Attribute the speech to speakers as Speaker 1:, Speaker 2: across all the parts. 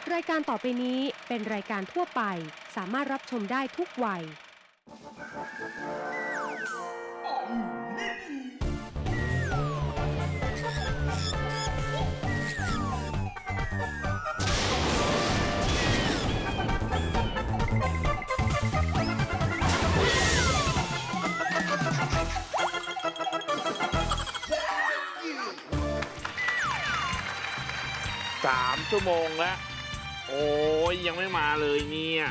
Speaker 1: รายการต่อไปนี้เป็นรายการทั่วไปสามารถรับชมได้ทุกวัย
Speaker 2: 3 ชั่วโมงแล้วโอ้ยยังไม่มาเลยเนี่ย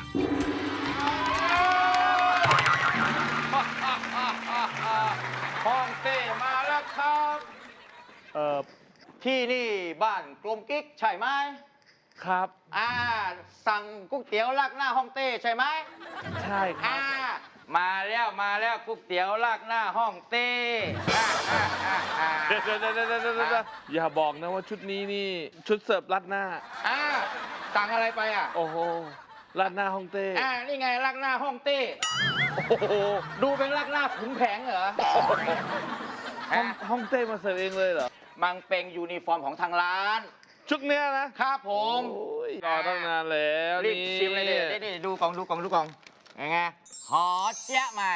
Speaker 3: ฮ่องเต้มาแล้วครับที่นี่บ้านกลมกิ๊กใช่ไหม
Speaker 2: ครับ
Speaker 3: สั่งก๋วยเตี๋ยวราดหน้าฮ่องเต้ใช่ไหม
Speaker 2: ใช่ครับ
Speaker 3: มาแล้วก๋วยเตี๋ยวราดหน้าฮ่องเต้
Speaker 2: เดี๋ยวอย่าบอกนะว่าชุดนี้นี่ชุดเสิร์ฟรัดหน้า
Speaker 3: สั่งอะไรไป
Speaker 2: โอ้โหรัดหน้าฮ่องเต้
Speaker 3: นี่ไงราดหน้าฮ่องเต้
Speaker 2: โอ้โห
Speaker 3: ดูเป็นราดหน้าขุนแผงเหรอ
Speaker 2: ฮ่องเต้มาเสิร์ฟเองเลยเหรอ
Speaker 3: มันเป็นยูนิฟอร์มของทางร้าน
Speaker 2: ชุดเนี้ยนะครับ
Speaker 3: ผม
Speaker 2: รอตั้งนานแล้ว
Speaker 3: รีบชิมเลยนี่ดูกล่องยังไงหอเจี๊ยะใหม่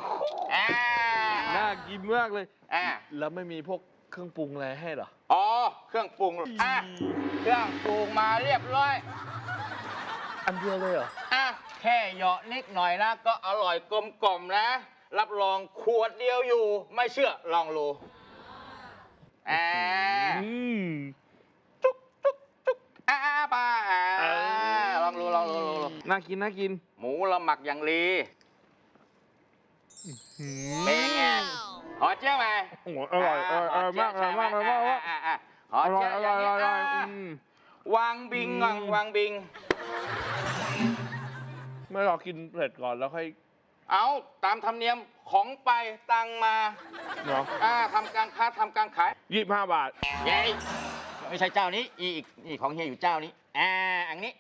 Speaker 2: น่ากินมากเลยแล้วไม่มีพวกเครื่องปรุงอะไรให้เหรอ
Speaker 3: เครื่องปรุงเครื่องปรุงมาเรียบร้อย
Speaker 2: อันเดียวเลยเหรอ
Speaker 3: แค่เหยาะนิดหน่อยนะก็อร่อยกลมกล่อมนะรับรองขวดเดียวอยู่ไม่เชื่อลองดูจุ๊กป้าลองดู
Speaker 2: น่ากิน
Speaker 3: หมูเราหมักอย่างดีเป็นไงหอเจี๊ยบไหม
Speaker 2: อร่อยมาก
Speaker 3: หอเจี๊ยบอย่างนี้วางบิง
Speaker 2: ไม่รอกินเสร็จก่อนแล้วค่อย
Speaker 3: เอาตามธรรมเนียมของไปตังมา
Speaker 2: เนาะ
Speaker 3: ทำการค้าทำการขาย
Speaker 2: 25 บาท
Speaker 3: ยัยไม่ใช่เจ้านี้อีกของเฮียอยู่เจ้านี้อันนี้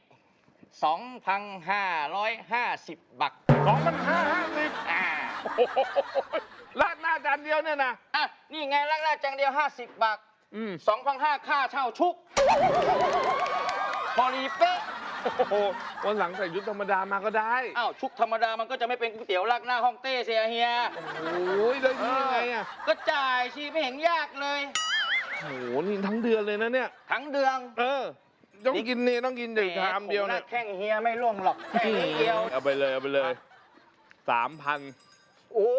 Speaker 3: 2,550 บาท
Speaker 2: 2,550ราดหน้าจานเดียวเนี่ยนะ
Speaker 3: นี่ไงราดหน้าจานเดียว50 บาท2,500ค่าเช่าชุกพอดีเป๊ะ
Speaker 2: วันหลังใส่ชุดธรรมดามาก็ได้
Speaker 3: ชุดธรรมดามันก็จะไม่เป็นก๋วยเตี๋ยวราดหน้าฮ่องเต้เสียเฮีย
Speaker 2: โอ้ยได้ยังไง
Speaker 3: ก็จ่ายชีไม่เห็นยากเลย
Speaker 2: โอ้โหนี่ทั้งเดือนเลยนะเนี่ย
Speaker 3: ทั้งเดือน
Speaker 2: ต้องกินเดี๋ยวชามเดียวนะ
Speaker 3: แข้งเฮียไม่ล่วงหรอกแค่นี้เดียว
Speaker 2: เอาไปเลย3,000
Speaker 3: โอ้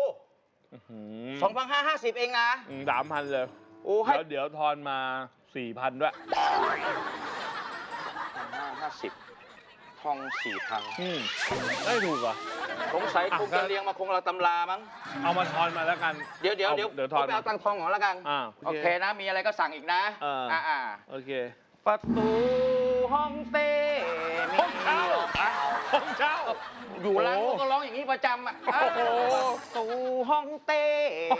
Speaker 3: 2,550เองนะ
Speaker 2: 3,000เลยแล้วเดี๋ยวทอนมา 4,000ด้วย
Speaker 3: 550ทอง 4,000
Speaker 2: ไม่ถูกเหรอ
Speaker 3: สงสัยคงจะเรียงมาคงเราตำรามั้ง
Speaker 2: เอามาทอนมาแล้วกัน
Speaker 3: เดี๋ยวทอนไปเอาตังทองของแล้วกันโอเคนะมีอะไรก็สั่งอีกนะ
Speaker 2: โอเค
Speaker 3: ประตูห้องเต้
Speaker 2: ห้องเช่า
Speaker 3: อยู่ร้านก็ร้องอย่างนี้ประจำประตูห้องเต้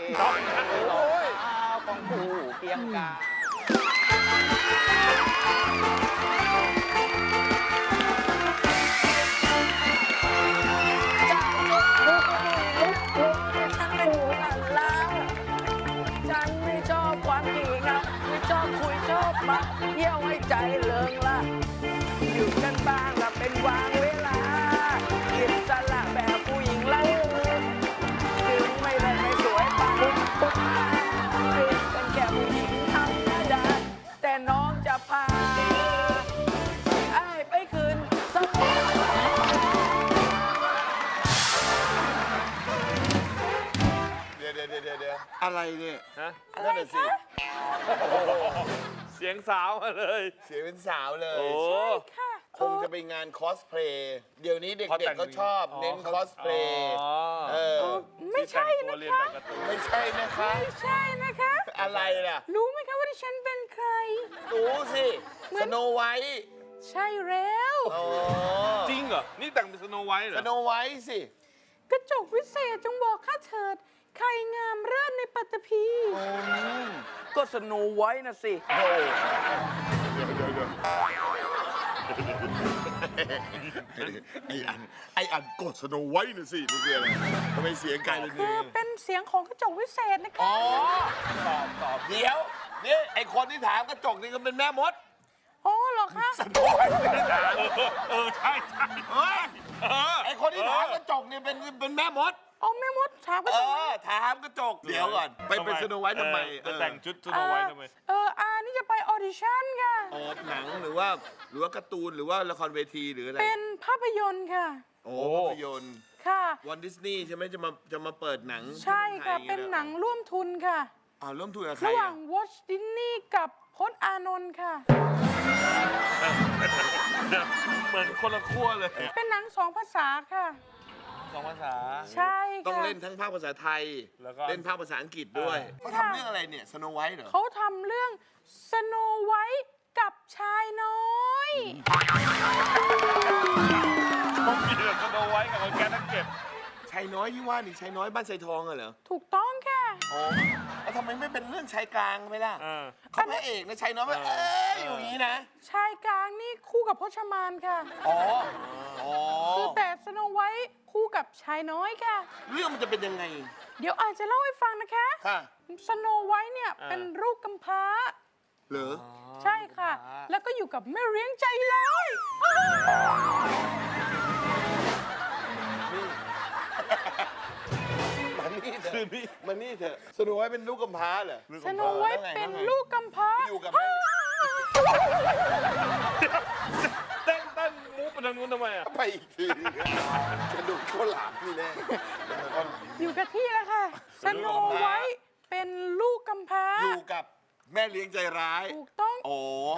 Speaker 3: ของผู้เกียงกา
Speaker 4: ฉันเป็นหนูหลานล้าฉันไม่ชอบความขี้เหงาไม่ชอบคุยชอบมาเยี่ยวให้ใจเลิงละอยู่กันบ้างละเป็นวางเวลาอิสระแบบผู้หญิงไร้ถึงไม่ได้ไม่สวยปังเป็นแค่ผู้หญิงธรรมดาแต่น้องจะพาไปคืนสมุทร
Speaker 5: เดี๋ยวอะไรเนี่ย
Speaker 4: อะไรสิ
Speaker 2: เสียงสาวมาเลย
Speaker 5: เสียงเป็นสาวเลย
Speaker 4: ใช่ค่ะ
Speaker 5: คงจะไปงานคอสเพลย์เดี๋ยวนี้เด็กๆเขาชอบเน้นคอสเพลย์
Speaker 4: ไม่ใช่นะคะ
Speaker 5: ไม่ใช่นะคะอะไรล่ะ
Speaker 4: รู้ไหมคะว่าดิฉันเป็นใคร
Speaker 5: รู้สิสโนไวท์
Speaker 4: ใช่แล้ว
Speaker 2: จริงเหรอนี่แต่งเป็นสโนไวท์เหรอ
Speaker 5: สโนไวท์สิ
Speaker 4: กระจกวิเศษจงบอกข้าเถิดใครงามเลิศในปัตตภี
Speaker 3: ก็สโนไวท์นะสิ
Speaker 5: เดี๋ยวไออันกดสโนไวท์นะสินี่คืออะไรทำไมเสียงไกลเลย
Speaker 4: คือเป็นเสียงของกระจกวิเศษนะคะ
Speaker 5: ตอบเดี๋ยวนี่ไอคนที่ถามกระจกนี่ก็เป็นแม่มด
Speaker 4: โอ้เหรอคะ
Speaker 6: ใช่ใช่
Speaker 5: เฮ้ยไอคนที่ถามกระจกเนี่ยเป็นแม่มด
Speaker 4: โอ้แม่มดถามก็
Speaker 5: ถามกระจก เดี๋ยวก่อน ไปเป็นสโนไวท์ทำไม
Speaker 6: จะแต่งชุดสโนไวท์ทำไม
Speaker 4: นี่จะไปออดิชั่นค่ะ
Speaker 5: ออกหนังหรือว่าการ์ตูนหรือว่าละครเวทีหรืออะไร
Speaker 4: เป็นภาพยนตร์ค่ะ
Speaker 5: โอ้ภาพยนตร์
Speaker 4: ค่ะ
Speaker 5: วันดิสนีย์ใช่ไหมจะมาเปิดหนัง
Speaker 4: ใช่ค่ะ
Speaker 5: ที่มืองไทย
Speaker 4: เป็นหนังร่วมทุนค่ะ
Speaker 5: ร่วมทุนกับใคร
Speaker 4: ระหว่างวอชดิสนีย์กับพจน์อานนท์ค่ะ
Speaker 2: เหมือนคนละขั้วเลย
Speaker 4: เป็นหนัง2 ภาษาค่ะ
Speaker 2: สองภาษา
Speaker 4: ใช่ค่ะ
Speaker 5: ต้องเล่นทั้งภาคภาษาไทย
Speaker 2: แล้วก็
Speaker 5: เล่นภาคภาษาอังกฤษด้วยเขาทำเรื่องอะไรเนี่ยสโนไวท์เหรอ
Speaker 4: เขาทำเรื่องสโนไวท์กับชายน้อย
Speaker 2: ต้องมีแบบสโนไวท์กับคนแก่นักเก็บ
Speaker 5: ชายน้อยที่ว่านี่ชายน้อยบ้านไซทองเหรอ
Speaker 4: ถูกต้องค่ะ
Speaker 5: อ๋อแล้วทำไมไม่เป็นเรื่องชายกลางไปล่ะ
Speaker 2: เออ
Speaker 5: เขาพระเอกนะชายน้อยอยู่อย่างนี้นะ
Speaker 4: ชายกลางนี่คู่กับพจมานค่ะ
Speaker 5: อ๋อ
Speaker 4: คือแต่สโนไวท์คู่กับชายน้อยค่ะ
Speaker 5: เรื่องมันจะเป็นยังไง
Speaker 4: เดี๋ยวอาจจะเล่าให้ฟังนะคะ
Speaker 5: ค่ะ
Speaker 4: สโนไวท์เนี่ยเป็นลูกกำพร้า
Speaker 5: เหรอ
Speaker 4: ใช่ค่ะ แล้วก็อยู่กับแม่เลี้ยงใจร้าย
Speaker 5: มันนี่เถอะสโนไวท์เป็นลูกกำพร้าเหรอ
Speaker 4: สโนไวท์เป็นลูกกำพร้า
Speaker 5: อยู่กับแม่
Speaker 2: เต้นมูฟไปทางนู้นทำไมอ่ะ
Speaker 5: ไปอีกทีจะดูข้าวหลามนี่แน่ข้าวหลาม
Speaker 4: อยู่กับที่แล้วค่ะ สโนไวท์เป็นลูกกำพร้า
Speaker 5: อยู่กับแม่เลี้ยงใจร้าย
Speaker 4: ถูกต้อง
Speaker 5: โอ้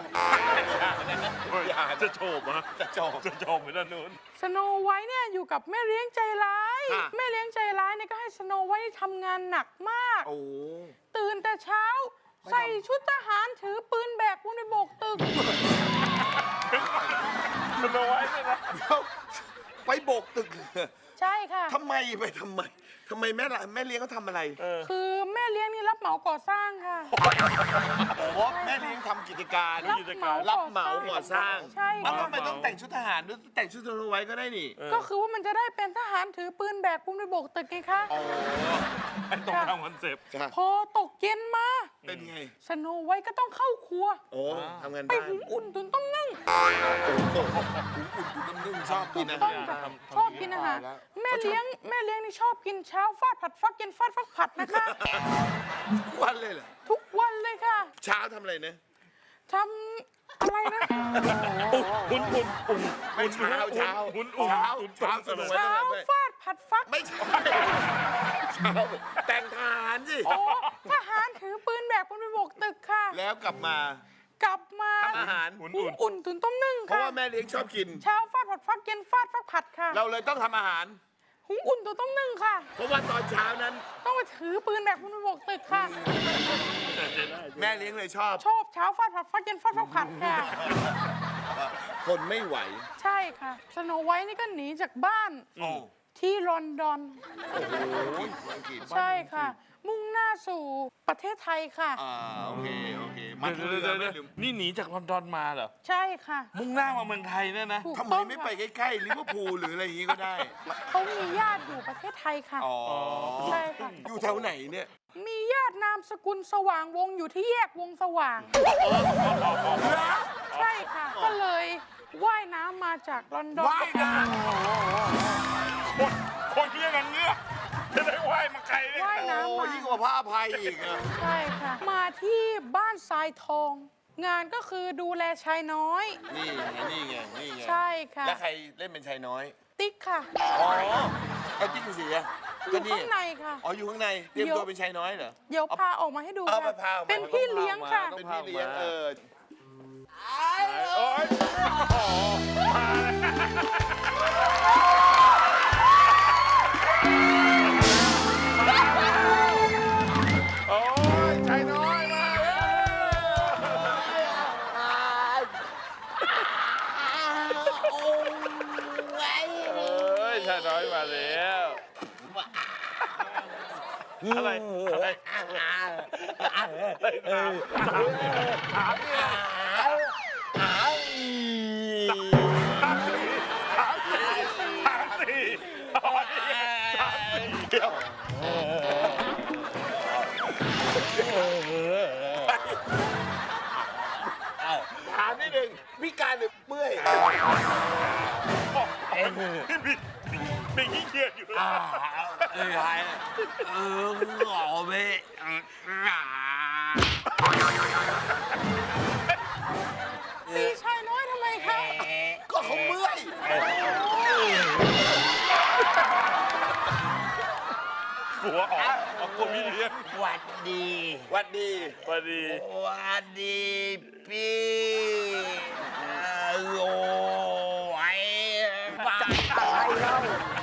Speaker 2: จะโฉบอ่ะ
Speaker 5: จะจบ
Speaker 2: จะโฉบไปด้านนู้น
Speaker 4: สโนไวท์เนี่ยอยู่กับแม่เลี้ยงใจร้าย
Speaker 5: ค่ะ
Speaker 4: แม่เลี้ยงใจร้ายเนี่ยก็ให้สโนไวท์ทำงานหนักมาก
Speaker 5: โอ้
Speaker 4: ตื่นแต่เช้า ใส่ชุดทหารถือปืนแบกปูนไปโบกตึก
Speaker 2: สโนไวท์เลยนะ
Speaker 5: เดี๋ยวไปโบกตึก
Speaker 4: ใช่ค่ะ
Speaker 5: ทำไมแม่เลี้ยงเขาทำอะไร
Speaker 4: คือแม่เลี้ยงนี่รับเหมาก่อสร้างค่ะ
Speaker 5: โอ้แม่เลี้ยงทำกิจการ
Speaker 4: รับเหมา
Speaker 5: ก่อสร้าง
Speaker 4: ใช่
Speaker 5: แล้ว
Speaker 4: ค่ะ
Speaker 5: ทำไมต้องแต่งชุดทหารด้วยแต่งชุดสโนไวท์ก็ได้นี่
Speaker 4: ก็คือว่ามันจะได้เป็นทหารถือปืนแบกปูนไปโบกตึกไงคะ
Speaker 2: ไอ้ตรงทำคอนเซปต์
Speaker 4: พอตกเย็นมา
Speaker 5: เป็นไง
Speaker 4: สโนไวท์ก็ต้องเข้าครัว
Speaker 5: โอ้ทำงาน
Speaker 4: ไป
Speaker 5: บ้าน
Speaker 4: หุงอุ่นตุนต้มนึ่ง
Speaker 5: นุ่มชอบกินนะ
Speaker 4: ต้องค่ะชอบกินอาหารแม่เลี้ยงนี่ชอบกินเช้าฟาดผัดฟักเย็นฟาดฟักผัดนะคะ
Speaker 5: ทุกวันเลยเหรอ
Speaker 4: ทุกวันเลยค่ะ
Speaker 5: เช้าทำอะไรนะ
Speaker 4: ทำอะไรนะ
Speaker 2: อุ่น
Speaker 5: ไม่เช้า
Speaker 2: เช้า
Speaker 5: สโนไวท์
Speaker 4: เช้า
Speaker 5: ต้องทำด้วย
Speaker 4: ฟาดผัดฟัก
Speaker 5: ไม่ใช่เช้าแต่งทหารสิ
Speaker 4: โอ้ทหารถือปืนแบกปูนไปโบกตึกค่ะ
Speaker 5: แล้วกลับมา
Speaker 4: กลับมา
Speaker 5: ทำอาหาร
Speaker 4: หุงอุ่นตุนต้มนึ่ง
Speaker 5: เพราะ
Speaker 4: ค่ะ
Speaker 5: ว่าแม่เลี้ยงชอบกิน
Speaker 4: เช้าฟาดผัดฟักเย็นฟาดฟักผัดค่ะ
Speaker 5: เราเลยต้องทำอาหาร
Speaker 4: หุงอุ่นตุนต้มนึ่งค่ะ
Speaker 5: เพราะว่าตอนเช้านั้น
Speaker 4: ต้องไปถือปืนแบกปูนไปโบกตึกค่ะ
Speaker 5: แม่เลี้ยงเลยชอบ
Speaker 4: ชอบเช้าฟาดผัดฟักเย็นฟาดฟักผัดค่ะ
Speaker 5: คนไม่ไหว
Speaker 4: ใช่ค่ะ สโนไวท์นี่ก็หนีจากบ้าน
Speaker 5: โอ้
Speaker 4: ที่ลอนดอน
Speaker 5: โหอังกฤษ
Speaker 4: ใช่ค่ะ มุ่งหน้าสู่ประเทศไทยค่ะ
Speaker 5: โอเคมาเรือไม่ลืม
Speaker 2: นี่หนีจากลอนดอนมาเหรอ
Speaker 4: ใช่ค่ะ
Speaker 2: มุ่งหน้ามาเมืองไทยเนี่ยนะ
Speaker 4: ถูก
Speaker 5: ทำไม
Speaker 4: ต้อง
Speaker 5: ไม่ไป
Speaker 4: ค่ะ
Speaker 5: ใกล้ๆลิเวอร์พูลหรืออะไรอย่างงี้ก็ได้
Speaker 4: เขามีญาติอยู่ประเทศไทยค่ะ
Speaker 5: อ๋อ
Speaker 4: ใช่ค่ะ
Speaker 5: อยู่แถวไหนเนี่ย
Speaker 4: มีญาตินามสกุลสว่างวงอยู่ที่แยกวงสว่าง ใช่ค่ะ ก็เลยว่ายน้ำมาจากลอนดอน
Speaker 5: ว่ายน้
Speaker 2: คนเรียกกันเงือกจะได้ไหวมาไกลเลย
Speaker 4: ว่าย
Speaker 5: ำ
Speaker 4: น้ำ
Speaker 5: โอ้
Speaker 4: มา
Speaker 5: ยิ่งกว่าพระอภัยอีกอะ
Speaker 4: ใช่ค่ะ มาที่บ้านทรายทอง งานก็คือดูแลชายน้อย
Speaker 5: นี่ไง
Speaker 4: ใช่ค่ะ
Speaker 5: แล้วใครเล่นเป็นชายน้อย
Speaker 4: ติ๊กค่ะ
Speaker 5: อ๋อไอ้จิ๊กเสีย
Speaker 4: อยู่ข้างในค่ะ
Speaker 5: อ๋ออยู่ข้างในเตรียมตัวเป็นชายน้อยเหรอ
Speaker 4: เดี๋ยวพาออกมาให้ดู
Speaker 5: เอาไป
Speaker 4: ค่ะ
Speaker 5: พาออกมา
Speaker 4: เป็นพี่เลี้ยงค่ะ
Speaker 5: เป็นพี่เลี้ยง
Speaker 2: โอ๊ยโอ้ยชายน้อยมาแล้วเอ้ยชายน้อยมาแล้วอะไรถามเนี่ยถามสิเดี๋ยว
Speaker 5: ถามนิดนึงงพิการหรือเมื่อย
Speaker 6: มีขี้เกียจอยู่แล้ว
Speaker 4: ตีชายน้อยทำไมคะ
Speaker 5: ก็เขาเมื่อย
Speaker 6: หัวออกกลัวพี่เลี้ยง
Speaker 5: หวัดดี
Speaker 6: สวัสดี
Speaker 5: หวัดดีพี่โอ้ยไป
Speaker 4: อะไรเล่า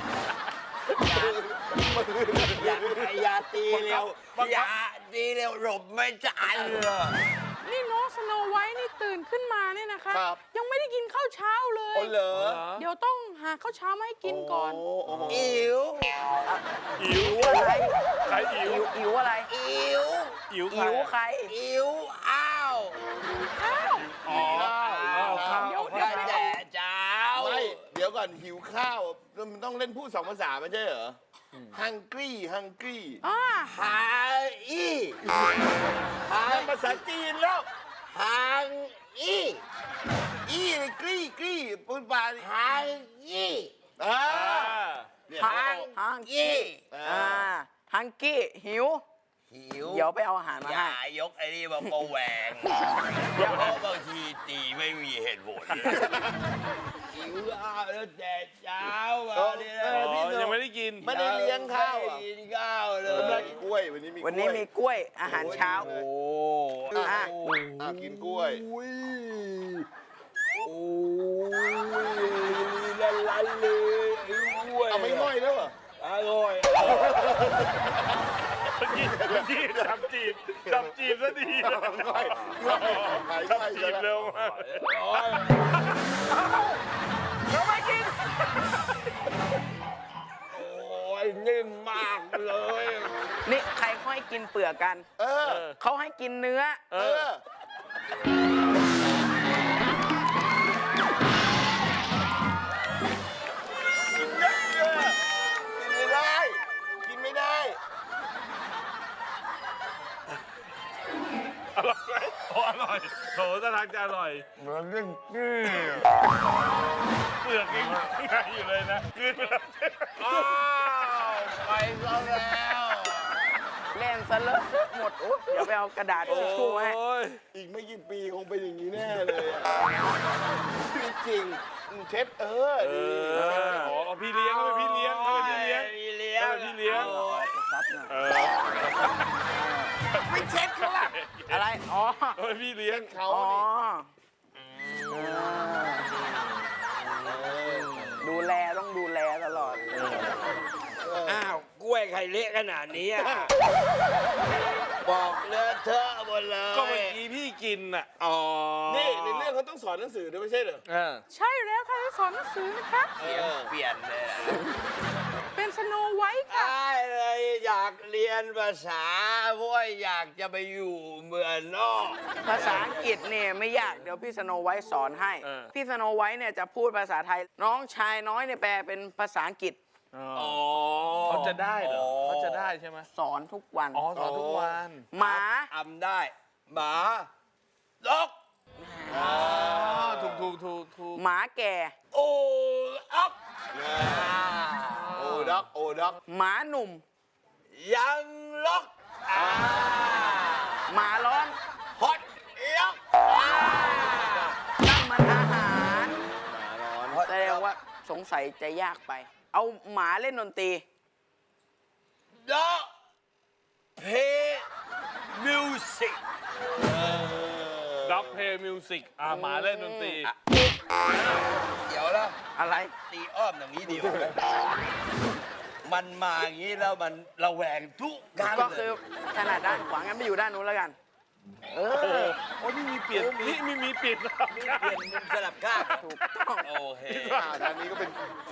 Speaker 5: อย่าตีเร็วอย่าตีเร็วหลบไม่ทันเลย
Speaker 7: นี่น้องสโนไวท์นี่ตื่นขึ้นมาเนี่ยนะคะ
Speaker 5: ครับ
Speaker 7: ยังไม่ได้กินข้าวเช้าเลย
Speaker 5: โอ้เหรอ
Speaker 7: เดี๋ยวต้องหาข้าวเช้ามาให้กินก่อน
Speaker 5: อิ๋ว
Speaker 6: อิ๋ว
Speaker 4: อะไร
Speaker 6: ใครอิ๋ว
Speaker 4: อิ๋วอะไร
Speaker 5: อิ๋ว
Speaker 6: อิ๋วใคร
Speaker 4: อิ๋ว
Speaker 6: อะ
Speaker 4: ใคร
Speaker 5: อิ๋วอ้าว
Speaker 7: ข้าว
Speaker 6: อ๋อข้าว
Speaker 7: เดี๋ยว
Speaker 5: ได้แต่เช้าไม่เดี๋ยวก่อนหิวข้าวมันต้องเล่นพูด2 ภาษาไม่ใช่เหรอ hungry
Speaker 7: อ่า
Speaker 5: หาอีนั่นภาษาจีนแล้วฮังอีเลยกรี้พูดบาลีฮังอีเนี่ย
Speaker 4: ฮังกี้ฮังกี้หิว เดี๋ยวไปเอาอาหารมา
Speaker 8: อย่า
Speaker 4: ให้
Speaker 8: ยกไอ้นี่มาประแหวงเพราะบางทีตีไม่มีเหตุผลหิวอ้าวแล้วแต่เช้ามาเนี่ย
Speaker 2: อ๋อยังไม่ได้กิน
Speaker 5: ไม่ได้เลี้ยงข้าวอ่ะ
Speaker 8: ไม่ได้กินข้าวเล
Speaker 5: วันนี้
Speaker 8: ย
Speaker 5: มีกล้วยวันนี้มี
Speaker 4: วันนี้มีกล้วยอาหารเช้า
Speaker 2: โอ้
Speaker 4: อ่ะ
Speaker 5: กินกล้วย
Speaker 8: ลันเลยด้วย
Speaker 5: เอาไม่ง่อยแล้วเหรอ
Speaker 8: อร่อย
Speaker 6: เมื่อกี้จับจีบซะดี
Speaker 5: ง่อยหาย
Speaker 6: จับ
Speaker 5: ง่อย
Speaker 6: จีบเร็วมาก
Speaker 7: เราไม่กิน
Speaker 8: โอ้ยนิ่มมากเลย
Speaker 4: นี่ใครเขาให้กินเปลือกกัน
Speaker 5: เออ
Speaker 4: เขาให้กินเนื้อ
Speaker 5: เออกินไม่ได้ กินไม่ได้
Speaker 6: อร่อยไหมโอ้อร่อยโถท่าทางจะอร่อยเปลือกยังไงอยู่เลยนะคืนไปแล้ว
Speaker 8: อ้าวไปซะแล้ว
Speaker 4: เล่นซะเลอะหมดโอ้เดี๋ยวไปเอากระดาษทิชชู่มาให้
Speaker 2: โอ้ย
Speaker 5: อีกไม่กี่ปีคงเป็นอย่างนี้แน่เลยอะชีวิตจริงเช็ดดี
Speaker 2: อ๋อพี่เลี้ยงเขาเป็นพี่เลี้ยงเขาเป็นพี่เลี้ยง
Speaker 8: พี่เลี้ยง
Speaker 2: เขาเป็นพี่เลี้ยง
Speaker 6: เออ
Speaker 5: ไม่เช็ดเขาล่ะ
Speaker 4: อะไร อ๋อ
Speaker 2: เขาเป็นพี่เลี้ยง
Speaker 5: เขา
Speaker 4: อ๋อ
Speaker 5: นี่
Speaker 4: ดูแลต้องดูแลตลอด
Speaker 8: อ้าวกล้วยไข่เละขนาดนี้อะบอกเลอะเทอะหมดเลย
Speaker 2: ก็เมื่อกี้พี่กินอ่ะ
Speaker 8: อ๋อ
Speaker 5: นี่ในเรื่องเขาต้องสอนหนังสือด้วยไม่ใช่เหรอ
Speaker 7: ใช่แล้วค่ะจะสอนหนังสือนะคะ
Speaker 8: เปลี่ยนเลยอะ
Speaker 7: เป็นสโนไวท์ค่ะ
Speaker 8: ได้เลยอยากเรียนภาษาเพราะว่าอยากจะไปอยู่เมืองนอก
Speaker 4: ภาษาอังกฤษเนี่ยไม่ยาก เดี๋ยวพี่สโนไวท์สอนให้ พี่สโนไวท์เนี่ยจะพูดภาษาไทย น้องชายน้อยเนี่ยแปลเป็นภาษาอังกฤษ
Speaker 8: อ๋อ
Speaker 2: เขาจะได้เหรอเขาจะได้ใช่ไหม
Speaker 4: สอนทุกวัน
Speaker 2: อ๋อสอนทุกวัน
Speaker 4: หมา
Speaker 8: ทำได้หมาดอก
Speaker 2: อ๋อถูก
Speaker 4: หมาแก่
Speaker 8: โอ้อัก
Speaker 5: โอ้ด็อกโอ้ด็อก
Speaker 4: หมาหนุ่ม
Speaker 8: ยังล็อก
Speaker 4: หมาร้อน
Speaker 8: ฮอตล็อก
Speaker 4: นั่นมันอาหารแสดงว่าสงสัยจะยากไป เอาหมาเล่นดนตรี
Speaker 8: ด็อกเพย์มิวสิก
Speaker 2: ด็อกเพย์มิวสิกหมาเล่นดนตรี
Speaker 8: เดี๋ยวแล้ว
Speaker 4: อะไร
Speaker 8: ตีอ้อมอย่างนี้ดีกว่ามันมาอย่างนี้แล้วมันระแวงทุกครั้ง
Speaker 4: ก็
Speaker 8: เล
Speaker 4: คือย ถนัดด้านขวางั้นไปอยู่ด้านนู้นแล้วกัน
Speaker 2: โอ้โหนี่มีเปลี่ยนนี่มีเปลี่ยน
Speaker 8: เปลี่ยนมุมสลับข้าง
Speaker 4: ถูกต้อง
Speaker 8: โอเค
Speaker 5: ทางนี้ก็เป็นสิ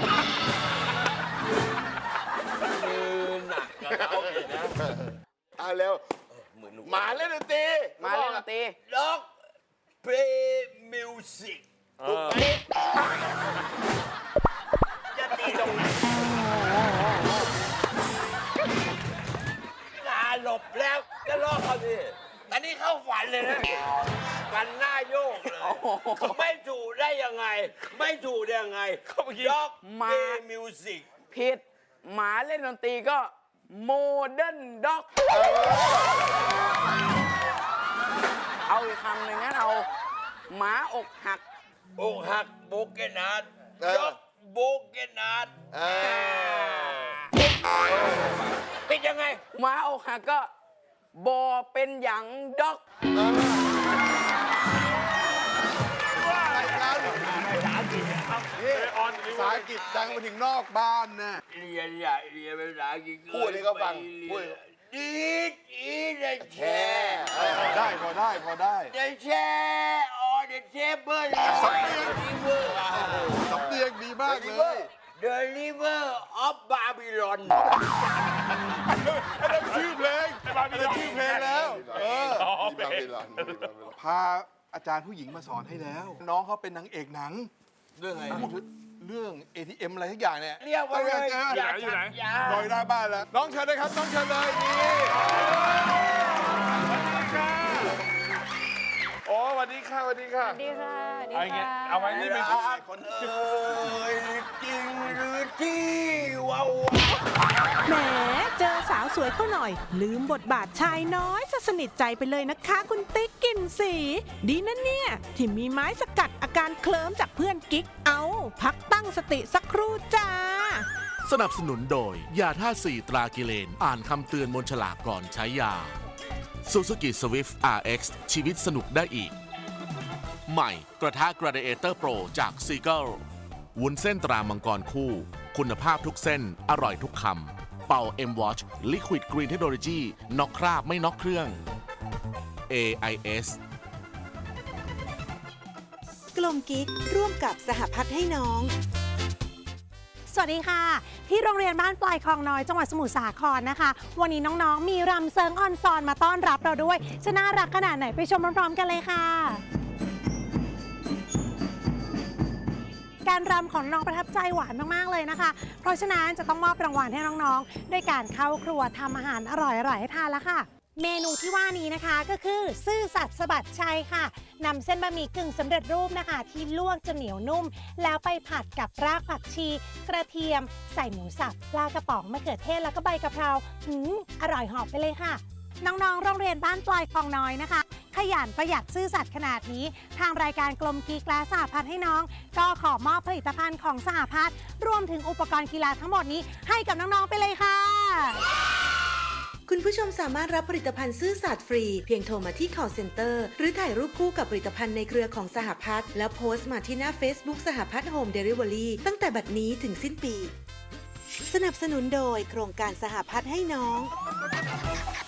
Speaker 8: มือหนักกับเขาเลยนะ
Speaker 5: เอาเร็ว
Speaker 8: เหมือนหนู
Speaker 5: หมาเล่นดนตรี
Speaker 4: หมาเล่นดนตรี
Speaker 8: ด็อกเพย์มิวสิก
Speaker 5: ถูกไหม
Speaker 8: จะตีตรงไหนตาหลบแล้วจะลอกเขาดิอันนี้เข้าฝันเลยนะฝันหน้าโยกเลยไม่ถูกได้ยังไง ไม่ถูกได้ยังไงด็อก
Speaker 4: มา
Speaker 8: เดย์มิวสิก
Speaker 4: ผิดหมาเล่นดนตรีก็โมเดิร์นด็อกเอาอีกคำหนึ่งงั้นเอาหมาอกหัก
Speaker 8: อกหักโบเกนาดด็อกโบเกนาดเป็นยังไง
Speaker 4: หมาอกหักก็บอเป็นหยังด็อก
Speaker 5: ภาษาอังกฤษดังไปถึงนอกบ้านนะ
Speaker 8: เรียนอย่าเรียนภาษาอังกฤษ
Speaker 5: พูดให้เขาฟังพูด
Speaker 8: ดีดีเดแชร์
Speaker 5: ได้พอได้พอได้
Speaker 8: เดแชร์ออเดเชเบิล
Speaker 5: สำเนียง สำเนียงดีมากเลย
Speaker 8: The River of Babylon
Speaker 5: อันนั้นชื่อเพลงอันนั้นชื่อเพลงแล้วพาอาจารย์ผู้หญิงมาสอนให้แล้ว น้องเขาเป็นนางเอกหนัง
Speaker 8: เรื่องอะไร
Speaker 5: เรื่อง ATM อะไรทุกอย่างเนี่ย
Speaker 8: เรียกว่าเลย
Speaker 6: อยู่ไหน
Speaker 5: ลอยหน้าบ้านแล้ว น้องเชิญเลยครับ น้องเชิญเลยนี่
Speaker 2: โอ้สวัสดีค่ะสวัสดีค่ะ
Speaker 7: ดีค่ะ ดี
Speaker 6: เอาอย่างเงี้ย
Speaker 7: ค่ะ
Speaker 6: เอาไว้นี่เป็นชุด
Speaker 8: คนเอ่ยจริงหรือที่ว้าว
Speaker 9: แหมเจอสาวสวยเข้าหน่อย ลืมบทบาทชายน้อยซะสนิทใจไปเลยนะคะคุณติ๊กกลิ่นสี ดีนะเนี่ย ที่มีไม้สกัดอาการเคลิ้มจากเพื่อนกิ๊กเอาพักตั้งสติสักครู่จ้า
Speaker 10: สนับสนุนโดย ยาท่า4ตรากิเลน อ่านคำเตือนบนฉลากก่อนใช้ยา Suzuki Swift RX ชีวิตสนุกได้อีก ใหม่กระทะ Gladiator Pro จาก Seagull วุ้นเส้นตรามังกรคู่ คุณภาพทุกเส้น อร่อยทุกคำ เป่า M Watch Liquid Green Technology น็อกคราบไม่น็อกเครื่อง AIS
Speaker 9: กลมกิ๊กร่วมกับสหพัฒน์ให้น้อง
Speaker 11: สวัสดีค่ะ ที่โรงเรียนบ้านปลายคลองน้อยจังหวัดสมุทรสาครนะคะ วันนี้น้องๆมีรำเซิงออนซอนมาต้อนรับเราด้วยจะน่ารักขนาดไหนไปชมพร้อมๆกันเลยค่ะ การรำของน้องประทับใจหวานมากๆเลยนะคะ เพราะฉะนั้นจะต้องมอบรางวัลให้น้องๆด้วยการเข้าครัวทำอาหารอร่อยๆให้ทานแล้วค่ะ เมนูที่ว่านี้นะคะก็คือซื่อสัตย์สะบัดชัยค่ะนำเส้นบะหมี่กึ่งสำเร็จรูปนะคะที่ลวกจนเหนียวนุ่ม แล้วไปผัดกับรากผักชี กระเทียม ใส่หมูสับปลากระป๋องมะเขือเทศแล้วก็ใบกะเพราอร่อยหอบไปเลยค่ะ น้องๆโรงเรียนบ้านปลายคลองน้อยนะคะ ขยันประหยัดซื่อสัตย์ขนาดนี้ทางรายการกลมกิ๊กและสหพัฒน์ให้น้องก็ขอมอบผลิตภัณฑ์ของสหพัฒน์รวมถึงอุปกรณ์กีฬาทั้งหมดนี้ให้กับน้องๆไปเลยค่ะ
Speaker 9: คุณผู้ชมสามารถรับผลิตภัณฑ์ซื่อสัตย์ฟรี เพียงโทรมาที่ call center หรือถ่ายรูปคู่กับผลิตภัณฑ์ในเครือของสหพัฒน์แล้วโพสต์มาที่หน้า Facebook สหพัฒน์โฮมเดลิเวอรี่ตั้งแต่บัดนี้ถึงสิ้นปี สนับสนุนโดยโครงการสหพัฒน์ให้น้อง